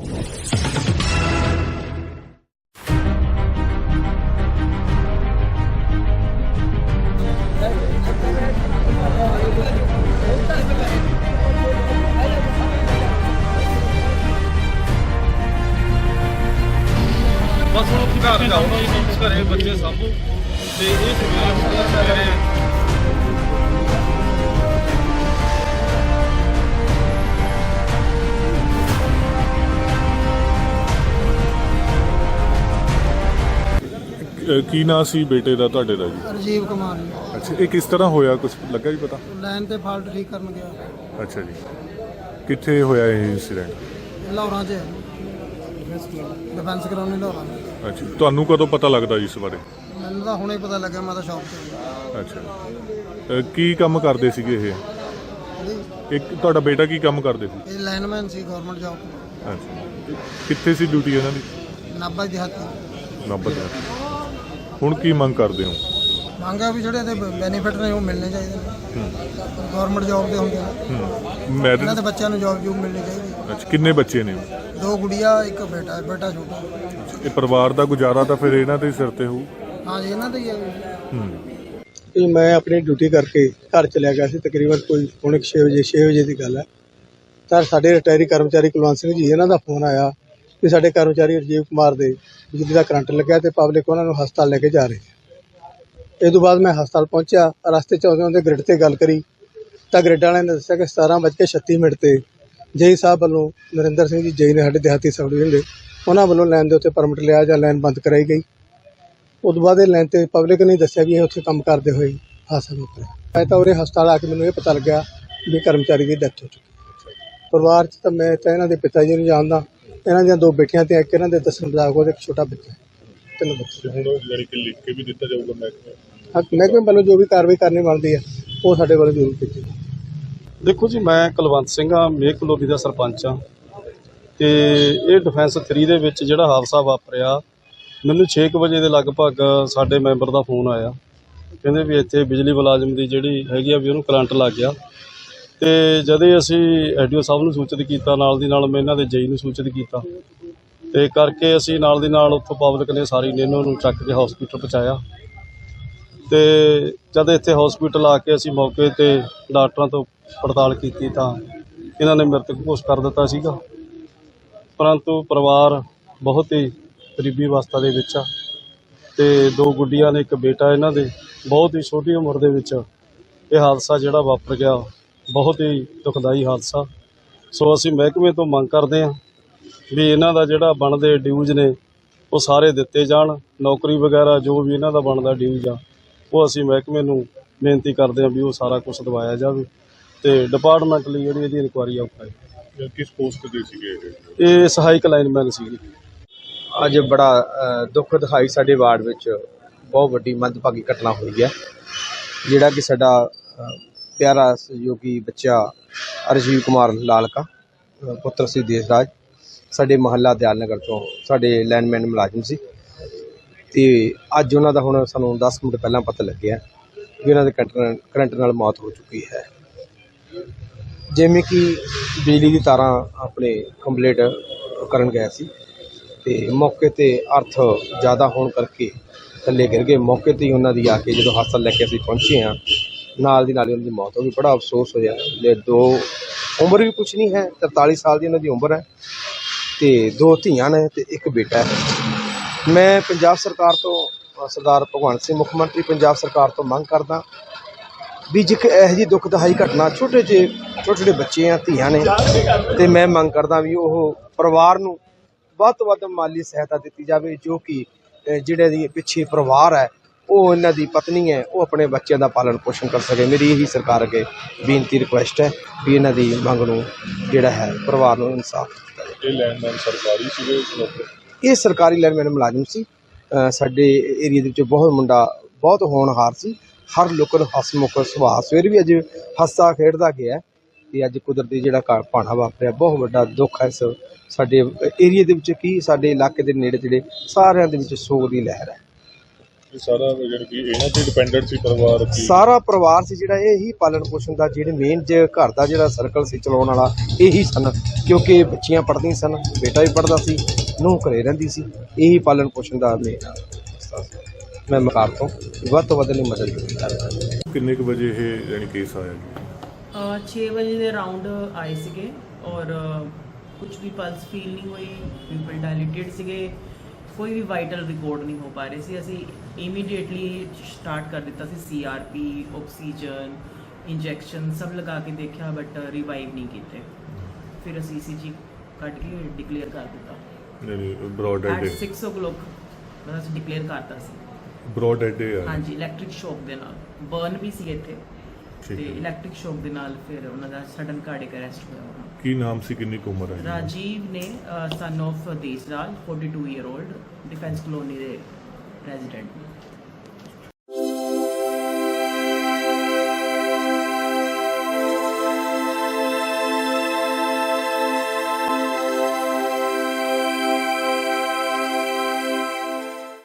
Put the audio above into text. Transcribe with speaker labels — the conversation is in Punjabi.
Speaker 1: बस वो घर जाओ घरे बच्चे सामू ते ये सवेरे
Speaker 2: ਕੀ ਨਾਂ ਸੀ ਬੇਟੇ ਦਾ ਤੁਹਾਡੇ ਦਾ ਜੀ?
Speaker 3: ਰਾਜੀਵ ਕੁਮਾਰ ਜੀ।
Speaker 2: ਅੱਛਾ, ਇਹ ਕਿਸ ਤਰ੍ਹਾਂ ਹੋਇਆ, ਕੁਝ ਲੱਗਾ ਜੀ ਪਤਾ?
Speaker 3: ਲਾਈਨ ਤੇ ਫਾਲਟ ਠੀਕ ਕਰਨ ਗਿਆ।
Speaker 2: ਅੱਛਾ ਜੀ, ਕਿੱਥੇ ਹੋਇਆ ਇਹ ਇੰਸੀਡੈਂਟ?
Speaker 3: ਲਾਹੌਰਾਂ 'ਚ ਡਿਫੈਂਸ ਕਰਾਉਣੀ ਲਾਹੌਰਾਂ।
Speaker 2: ਅੱਛਾ, ਤੁਹਾਨੂੰ ਕਦੋਂ ਪਤਾ ਲੱਗਦਾ ਜੀ ਇਸ ਬਾਰੇ?
Speaker 3: ਮੈਨੂੰ ਤਾਂ ਹੁਣੇ ਪਤਾ ਲੱਗਿਆ, ਮੈਂ ਤਾਂ ਸ਼ੌਪ 'ਤੇ।
Speaker 2: ਅੱਛਾ, ਕੀ ਕੰਮ ਕਰਦੇ ਸੀਗੇ ਇਹ? ਇੱਕ ਤੁਹਾਡਾ ਬੇਟਾ ਕੀ ਕੰਮ ਕਰਦੇ ਸੀ?
Speaker 3: ਇਹ ਲਾਈਨਮੈਨ ਸੀ ਗਵਰਨਮੈਂਟ ਜੌਬ।
Speaker 2: ਅੱਛਾ, ਕਿੱਥੇ ਸੀ ਡਿਊਟੀ ਇਹਨਾਂ ਦੀ?
Speaker 3: ਨਾਭਾ ਦਿਹਾਤੀ।
Speaker 2: ਨਾਭਾ ਦੇ। ਹੁਣ ਕੀ ਮੰਗ ਕਰਦੇ ਹੋ?
Speaker 3: ਮੰਗਿਆ ਵੀ ਜਿਹੜੇ ਇਹਦੇ ਬੈਨੀਫਿਟ ਨੇ ਉਹ ਮਿਲਣੇ ਚਾਹੀਦੇ ਨੇ। ਗਵਰਨਮੈਂਟ ਜੌਬ ਦੇ ਹੁੰਦੇ ਨੇ,
Speaker 2: ਮੈਰਿਜ?
Speaker 3: ਇਹਨਾਂ ਦੇ ਬੱਚਿਆਂ ਨੂੰ ਜੌਬ ਮਿਲਣੀ ਚਾਹੀਦੀ।
Speaker 2: ਅੱਛਾ, ਕਿੰਨੇ ਬੱਚੇ ਨੇ?
Speaker 3: 2 ਗੁੜੀਆ, 1 ਬੇਟਾ ਹੈ, ਬੇਟਾ ਛੋਟਾ।
Speaker 2: ਇਹ ਪਰਿਵਾਰ ਦਾ ਗੁਜ਼ਾਰਾ ਤਾਂ ਫਿਰ ਇਹਨਾਂ ਦੇ ਸਿਰ ਤੇ ਹੋਊ?
Speaker 3: ਹਾਂ ਜੀ, ਇਹਨਾਂ ਦਾ ਹੀ ਹੈ।
Speaker 4: ਕਿ ਮੈਂ ਆਪਣੀ ਡਿਊਟੀ ਕਰਕੇ ਘਰ ਚਲਿਆ ਗਿਆ ਸੀ, ਤਕਰੀਬਨ ਕੋਈ ਪੌਣੇ 6 ਵਜੇ ਦੀ ਗੱਲ ਹੈ। ਤਾਂ ਸਾਡੇ ਰਿਟਾਇਰੀ ਕਰਮਚਾਰੀ ਕੁਲਵੰਤ ਸਿੰਘ ਜੀ, ਇਹਨਾਂ ਦਾ ਫੋਨ ਆਇਆ ਕਿ ਸਾਡੇ ਕਰਮਚਾਰੀ ਰਾਜੀਵ ਕੁਮਾਰ ਦੇ ਬਿਜਲੀ ਦਾ ਕਰੰਟ ਲੱਗਿਆ ਤੇ ਪਬਲਿਕ ਉਹਨਾਂ ਨੂੰ ਹਸਪਤਾਲ ਲੈ ਕੇ ਜਾ ਰਹੀ ਹੈ। ਇਹ ਤੋਂ ਬਾਅਦ ਮੈਂ ਹਸਪਤਾਲ ਪਹੁੰਚਿਆ। ਰਸਤੇ 'ਚ ਆਉਂਦੇ ਗ੍ਰਿਡ ਤੇ ਗੱਲ ਕਰੀ ਤਾਂ ਗ੍ਰਿਡ ਵਾਲਿਆਂ ਨੇ ਦੱਸਿਆ ਕਿ 17:36 ਤੇ ਜੇਈ ਸਾਹਿਬ ਵੱਲੋਂ ਨਰਿੰਦਰ ਸਿੰਘ ਜੀ ਜੇਈ ਨੇ ਸਾਡੇ ਦਿਹਾਤੀ ਸਬ ਡਿਵੀਜ਼ਨ ਦੇ, ਉਹਨਾਂ ਵੱਲੋਂ ਲਾਈਨ ਦੇ ਉੱਤੇ ਪਰਮਿਟ ਲਿਆ ਜਾਂ ਲਾਈਨ ਬੰਦ ਕਰਾਈ ਗਈ। ਉਸ ਤੋਂ ਬਾਅਦ ਇਹ ਲਾਈਨ ਤੇ ਪਬਲਿਕ ਨੇ ਦੱਸਿਆ ਵੀ ਇਹ ਉੱਥੇ ਕੰਮ ਕਰਦੇ ਹੋਏ ਹਾਦਸਾ ਵਾਪਰਿਆ। ਮੈਂ ਤਾਂ ਉਰੇ ਹਸਪਤਾਲ ਆ ਕੇ ਮੈਨੂੰ ਇਹ ਪਤਾ ਲੱਗਿਆ ਵੀ ਕਰਮਚਾਰੀ ਦੀ ਡੈਥ ਹੋ ਚੁੱਕੀ। ਪਰਿਵਾਰ 'ਚ ਤਾਂ ਮੈਂ ਤਾਂ ਇਹਨਾਂ ਦੇ ਪਿਤਾ ਜੀ ਨੂੰ ਜਾਣਦਾ, ਇਹਨਾਂ ਦੀਆਂ 2 ਬੇਟੀਆਂ ਤੇ ਇੱਕ ਇਹਨਾਂ ਦੇ ਦੱਸਣ ਮੁਤਾਬਕ ਉਹਦਾ ਇੱਕ ਛੋਟਾ ਬੱਚਾ, 3 ਬੱਚੇ।
Speaker 2: ਹੁਣ ਜਾਨੀ ਕਿ ਲਿਖ ਕੇ ਵੀ ਦਿੱਤਾ ਜਾਊਗਾ ਮਹਿਕਮੇ?
Speaker 4: ਹਾਂ, ਮਹਿਕਮੇ ਵੱਲੋਂ ਜੋ ਵੀ ਕਾਰਵਾਈ ਕਰਨੀ ਬਣਦੀ ਹੈ ਉਹ ਸਾਡੇ ਵੱਲੋਂ ਜ਼ਰੂਰ ਕੀਤੀ।
Speaker 5: ਦੇਖੋ ਜੀ, ਮੈਂ ਕੁਲਵੰਤ ਸਿੰਘ ਆ, ਮੇਕ ਕਲੋਨੀ ਦਾ ਸਰਪੰਚ ਆ ਤੇ ਇਹ ਡਿਫੈਂਸ 3 ਦੇ ਵਿੱਚ ਜਿਹੜਾ ਹਾਦਸਾ ਵਾਪਰਿਆ, ਮੈਨੂੰ 6 ਵਜੇ ਦੇ ਲਗਭਗ ਸਾਡੇ ਮੈਂਬਰ ਦਾ ਫੋਨ ਆਇਆ। ਕਹਿੰਦੇ ਵੀ ਇੱਥੇ ਬਿਜਲੀ ਮੁਲਾਜ਼ਮ ਦੀ ਜਿਹੜੀ ਹੈਗੀ ਆ ਵੀ ਉਹਨੂੰ ਕਰੰਟ ਲੱਗ ਗਿਆ। ਤੇ ਜਦੋਂ ਅਸੀਂ ਐਡੀਓ ਸਾਹਿਬ ਨੂੰ ਸੂਚਿਤ ਕੀਤਾ, ਨਾਲ ਦੀ ਨਾਲ ਮੈਂ ਇਹਨਾਂ ਦੇ ਜੇਈ ਨੂੰ ਸੂਚਿਤ ਕੀਤਾ ਤੇ ਕਰਕੇ ਅਸੀਂ ਨਾਲ ਦੀ ਨਾਲ ਉੱਥੋਂ ਪਬਲਿਕ ਨੇ ਸਾਰੀ ਨੇ ਇਹਨਾਂ ਨੂੰ ਚੱਕ ਕੇ ਹਸਪੀਟਲ ਪਹੁੰਚਾਇਆ। ਤੇ ਜਦ ਇੱਥੇ ਹਸਪੀਟਲ ਆ ਕੇ ਅਸੀਂ ਮੌਕੇ ਤੇ ਡਾਕਟਰਾਂ ਤੋਂ ਪੜਤਾਲ ਕੀਤੀ ਤਾਂ ਇਹਨਾਂ ਨੇ ਮ੍ਰਿਤਕ ਘੋਸ਼ਿਤ ਕਰ ਦਿੱਤਾ ਸੀਗਾ। ਪਰੰਤੂ ਪਰਿਵਾਰ ਬਹੁਤ ਹੀ ਗਰੀਬੀ ਅਵਸਥਾ ਦੇ ਵਿੱਚ ਆ ਤੇ 2 ਗੁੱਡੀਆਂ ਨੇ, 1 ਬੇਟਾ। ਇਹਨਾਂ ਦੇ ਬਹੁਤ ਹੀ ਛੋਟੀ ਉਮਰ ਦੇ ਵਿੱਚ ਇਹ ਹਾਦਸਾ ਜਿਹੜਾ ਵਾਪਰ ਗਿਆ, ਬਹੁਤ ਹੀ ਦੁਖਦਾਈ ਹਾਦਸਾ। ਸੋ ਅਸੀਂ ਮਹਿਕਮੇ ਤੋਂ ਮੰਗ ਕਰਦੇ ਹਾਂ ਵੀ ਇਹਨਾਂ ਦਾ ਜਿਹੜਾ ਬਣਦੇ ਡਿਊਜ਼ ਨੇ ਉਹ ਸਾਰੇ ਦਿੱਤੇ ਜਾਣ। ਨੌਕਰੀ ਵਗੈਰਾ ਜੋ ਵੀ ਇਹਨਾਂ ਦਾ ਬਣਦਾ ਡਿਊਜ਼ ਆ ਉਹ ਅਸੀਂ ਮਹਿਕਮੇ ਨੂੰ ਬੇਨਤੀ ਕਰਦੇ ਹਾਂ ਵੀ ਉਹ ਸਾਰਾ ਕੁਝ ਦਵਾਇਆ ਜਾਵੇ ਤੇ ਡਿਪਾਰਟਮੈਂਟਲੀ ਜਿਹੜੀ ਇਹਦੀ ਇਨਕੁਆਇਰੀ ਆ ਉਹ
Speaker 2: ਕਿਸ ਪੋਸਟ ਤੇ ਸੀਗੇ
Speaker 5: ਇਹ ਸਹਾਇਕ ਲਾਈਨਮੈਨ ਸੀਗੀ।
Speaker 6: ਅੱਜ ਬੜਾ ਦੁੱਖ ਦਿਖਾਈ ਸਾਡੇ ਵਾਰਡ ਵਿੱਚ ਬਹੁਤ ਵੱਡੀ ਮੰਦਭਾਗੀ ਘਟਨਾ ਹੋਈ ਹੈ, ਜਿਹੜਾ ਕਿ ਸਾਡਾ ਪਿਆਰਾ ਸਹਿਯੋਗੀ ਬੱਚਾ ਰਾਜੀਵ ਕੁਮਾਰ ਲਾਲਕਾ ਪੁੱਤਰ ਸੀ ਦੇਸਰਾਜ, ਸਾਡੇ ਮੁਹੱਲਾ ਦਿਆਲ ਨਗਰ ਤੋਂ ਸਾਡੇ ਲਾਈਨਮੈਨ ਮੁਲਾਜ਼ਮ ਸੀ। ਤੇ ਅੱਜ ਉਹਨਾਂ ਦਾ ਹੁਣ ਸਾਨੂੰ 10 ਮਿੰਟ ਪਹਿਲਾਂ ਪਤਾ ਲੱਗਿਆ ਵੀ ਉਹਨਾਂ ਦੇ ਕਰੰਟ ਨਾਲ ਮੌਤ ਹੋ ਚੁੱਕੀ ਹੈ। ਜਿਵੇਂ ਕਿ ਬਿਜਲੀ ਦੀ ਤਾਰਾਂ ਆਪਣੇ ਕੰਪਲੀਟ ਕਰਨ ਗਏ ਸੀ ਤੇ ਮੌਕੇ ਤੇ ਅਰਥ ਜ਼ਿਆਦਾ ਹੋਣ ਕਰਕੇ ਥੱਲੇ ਗਿਰ ਗਏ। ਮੌਕੇ ਤੇ ਹੀ ਉਹਨਾਂ ਦੀ ਆ ਕੇ ਜਦੋਂ ਹਸਪਤਾਲ ਲੈ ਕੇ ਅਸੀਂ ਪਹੁੰਚੇ ਹਾਂ, ਨਾਲ ਦੀ ਨਾਲ ਹੀ ਉਹਨਾਂ ਦੀ ਮੌਤ ਹੋ ਗਈ। ਬੜਾ ਅਫਸੋਸ ਹੋਇਆ। ਲੈ 2 ਉਮਰ ਵੀ ਕੁਛ ਨਹੀਂ ਹੈ, 43 ਸਾਲ ਦੀ ਉਹਨਾਂ ਦੀ ਉਮਰ ਹੈ ਤੇ 2 ਧੀਆਂ ਨੇ ਤੇ 1 ਬੇਟਾ ਹੈ। ਮੈਂ ਪੰਜਾਬ ਸਰਕਾਰ ਤੋਂ, ਸਰਦਾਰ ਭਗਵੰਤ ਸਿੰਘ ਮੁੱਖ ਮੰਤਰੀ ਪੰਜਾਬ ਸਰਕਾਰ ਤੋਂ ਮੰਗ ਕਰਦਾ ਵੀ ਜੇ ਇਹੋ ਜਿਹੀ ਦੁਖਦਾਈ ਘਟਨਾ, ਛੋਟੇ ਬੱਚੇ ਆ, ਧੀਆਂ ਨੇ, ਤੇ ਮੈਂ ਮੰਗ ਕਰਦਾ ਵੀ ਉਹ ਪਰਿਵਾਰ ਨੂੰ ਵੱਧ ਤੋਂ ਵੱਧ ਮਾਲੀ ਸਹਾਇਤਾ ਦਿੱਤੀ ਜਾਵੇ, ਜੋ ਕਿ ਜਿਹੜੇ ਦੀ ਪਿੱਛੇ ਪਰਿਵਾਰ ਹੈ, ਉਹ ਇਹਨਾਂ ਦੀ ਪਤਨੀ ਹੈ, ਉਹ ਆਪਣੇ ਬੱਚਿਆਂ ਦਾ ਪਾਲਣ ਪੋਸ਼ਣ ਕਰ ਸਕੇ। ਮੇਰੀ ਇਹੀ ਸਰਕਾਰ ਅੱਗੇ ਬੇਨਤੀ ਰਿਕੁਐਸਟ ਹੈ ਵੀ ਇਹਨਾਂ ਦੀ ਮੰਗ ਨੂੰ ਜਿਹੜਾ ਹੈ ਪਰਿਵਾਰ ਨੂੰ ਇਨਸਾਫ ਦਿੱਤਾ ਜਾਵੇ।
Speaker 2: ਇਹ ਲੈਂਡਮਾਈਨ ਸਰਕਾਰੀ ਸੀਗੇ?
Speaker 6: ਇਹ ਸਰਕਾਰੀ ਲਾਈਨਮੈਨ ਮੁਲਾਜ਼ਮ ਸੀ। ਸਾਡੇ ਏਰੀਏ ਦੇ ਵਿੱਚ ਬਹੁਤ ਹੋਣਹਾਰ ਸੀ, ਹਰ ਲੋਕਾਂ ਨੂੰ ਹਸਮੁਖ ਸੁਭਾਅ। ਸਵੇਰ ਵੀ ਅੱਜ ਹੱਸਾ ਖੇਡਦਾ ਗਿਆ ਤੇ ਅੱਜ ਕੁਦਰਤੀ ਜਿਹੜਾ ਭਾਣਾ ਵਾਪਰਿਆ, ਬਹੁਤ ਵੱਡਾ ਦੁੱਖ ਹੈ ਇਸ ਸਾਡੇ ਏਰੀਏ ਦੇ ਵਿੱਚ, ਕੀ ਸਾਡੇ ਇਲਾਕੇ ਦੇ ਨੇੜੇ ਤੇੜੇ ਸਾਰਿਆਂ ਦੇ ਵਿੱਚ ਸੋਗ ਦੀ ਲਹਿਰ ਹੈ।
Speaker 2: ਇਹ ਸਾਰਾ ਜਿਹੜੀ ਕਿ ਇਹਨਾਂ ਤੇ ਡਿਪੈਂਡੈਂਟ ਸੀ ਪਰਿਵਾਰ ਕੀ
Speaker 6: ਸਾਰਾ ਪਰਿਵਾਰ ਸੀ ਜਿਹੜਾ ਇਹ ਹੀ ਪਾਲਣ ਪੋਸ਼ਣ ਦਾ ਜਿਹੜੇ ਮੇਨ ਘਰ ਦਾ ਜਿਹੜਾ ਸਰਕਲ ਸੀ ਚਲਾਉਣ ਵਾਲਾ ਇਹੀ ਸਨ, ਕਿਉਂਕਿ ਬੱਚੀਆਂ ਪੜ੍ਹਦੀਆਂ ਸਨ, ਬੇਟਾ ਵੀ ਪੜ੍ਹਦਾ ਸੀ, ਨੂੰਹ ਘਰੇ ਰਹਿੰਦੀ ਸੀ, ਇਹੀ ਪਾਲਣ ਪੋਸ਼ਣ ਦਾ ਮੇਨ। ਮੈਂ ਮਕਾਰ ਤੋਂ ਵੱਧ ਤੋਂ ਵੱਧ ਲਈ ਮਦਦ ਕੀਤੀ ਕਰਦਾ।
Speaker 2: ਕਿੰਨੇ ਕੁ ਵਜੇ ਇਹ ਯਾਨੀ ਕੇਸ ਆਇਆ ਜੀ
Speaker 7: 6 ਵਜੇ ਦੇ ਅਰਾਊਂਡ ਆਏ ਸੀਗੇ ਔਰ ਕੁਝ ਵੀ ਪਲਸ ਫੀਲ ਨਹੀਂ ਹੋਈ, ਪੀਪਲ ਡਾਇਲੇਟਡ ਸੀਗੇ, ਕੋਈ ਵੀ ਵਾਈਟਲ ਰਿਕਾਰਡ ਨਹੀਂ ਹੋ ਪਾ ਰਹੇ ਸੀ। ਅਸੀਂ ਇਮੀਡੀਏਟਲੀ ਸਟਾਰਟ ਕਰ ਦਿੱਤਾ ਸੀ CRP, ਆਕਸੀਜਨ, ਇੰਜੈਕਸ਼ਨ ਸਭ ਲਗਾ ਕੇ ਦੇਖਿਆ ਬਟ ਰਿਵਾਈਵ ਨਹੀਂ ਕੀਤੇ। ਫਿਰ ਅਸੀਂ ECG ਕੱਢ ਕੇ ਡਿਕਲੇਅਰ ਕਰ ਦਿੱਤਾ
Speaker 2: ਯਾਨੀ ਬ੍ਰੌਡ
Speaker 7: ਐਟ
Speaker 2: ਡੈਡ
Speaker 7: 6 o'clock ਬਸ ਅਸੀਂ ਡਿਕਲੇਅਰ ਕਰਤਾ ਸੀ।
Speaker 2: ਬ੍ਰੌਡ ਡੈਡ ਆ
Speaker 7: ਹਾਂਜੀ, ਇਲੈਕਟ੍ਰਿਕ ਸ਼ੌਕ ਦੇ ਨਾਲ ਬਰਨ ਵੀ ਸੀ ਇੱਥੇ
Speaker 2: ਠੀਕ
Speaker 7: ਤੇ
Speaker 2: ਹੈ।
Speaker 7: ਇਲੈਕਟ੍ਰਿਕ ਸ਼ੌਕ ਦੇ ਨਾਲ ਫਿਰ ਉਹਨਾਂ ਦਾ ਸਡਨ ਕਾਰਡਿਕ ਅਰੈਸਟ ਹੋਇਆ ਉਹਨਾਂ ਦਾ।
Speaker 2: ਕੀ ਨਾਮ ਸੀ, ਕਿੰਨੀ ਕੁ ਉਮਰ ਹੈ
Speaker 7: ਰਾਜੀਵ ਨੇ son of Desraj 42 year old, defence colony ਦੇ ਰੈਜ਼ੀਡੈਂਟ।